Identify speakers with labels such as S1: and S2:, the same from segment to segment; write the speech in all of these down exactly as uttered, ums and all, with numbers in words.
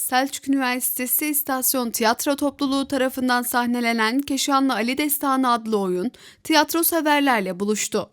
S1: Selçuk Üniversitesi İstasyon Tiyatro Topluluğu tarafından sahnelenen Keşanlı Ali Destanı adlı oyun tiyatro severlerle buluştu.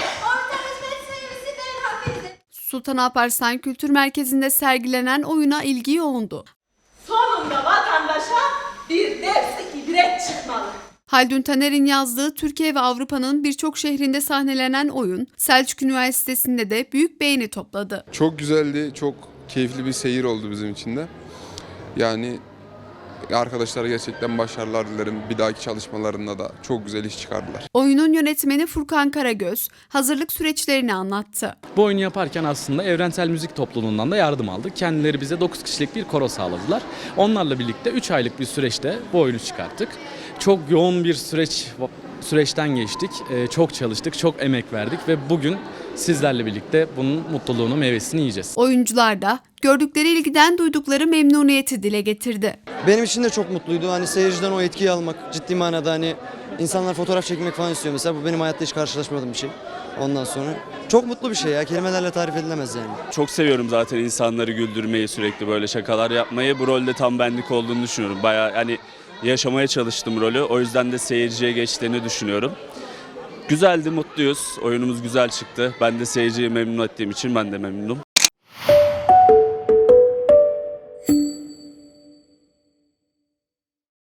S1: Sultan Alparslan Kültür Merkezi'nde sergilenen oyuna ilgi yoğundu.
S2: Sonunda vatandaşa bir dersi ibret çıkmalı.
S1: Haldun Taner'in yazdığı Türkiye ve Avrupa'nın birçok şehrinde sahnelenen oyun Selçuk Üniversitesi'nde de büyük beğeni topladı.
S3: Çok güzeldi, çok keyifli bir seyir oldu bizim için de. Yani arkadaşlara gerçekten başarılar dilerim. Bir dahaki çalışmalarında da çok güzel iş çıkardılar.
S1: Oyunun yönetmeni Furkan Karagöz hazırlık süreçlerini anlattı.
S4: Bu oyunu yaparken aslında Evrensel Müzik Topluluğu'ndan da yardım aldık. Kendileri bize dokuz kişilik bir koro sağladılar. Onlarla birlikte üç aylık bir süreçte bu oyunu çıkarttık. Çok yoğun bir süreç süreçten geçtik. Ee, çok çalıştık, çok emek verdik ve bugün sizlerle birlikte bunun mutluluğunu, meyvesini yiyeceğiz.
S1: Oyuncular da gördükleri ilgiden duydukları memnuniyeti dile getirdi.
S5: Benim için de çok mutluydu. Hani seyirciden o etkiyi almak ciddi manada, hani insanlar fotoğraf çekmek falan istiyor mesela. Bu benim hayatta hiç karşılaşmadığım bir şey. Ondan sonra çok mutlu bir şey ya. Kelimelerle tarif edilemez yani.
S6: Çok seviyorum zaten insanları güldürmeyi, sürekli böyle şakalar yapmayı. Bu rolde tam benlik olduğunu düşünüyorum. Bayağı hani yaşamaya çalıştım rolü. O yüzden de seyirciye geçtiğini düşünüyorum. Güzeldi, mutluyuz. Oyunumuz güzel çıktı. Ben de seyirciyi memnun ettiğim için ben de memnunum.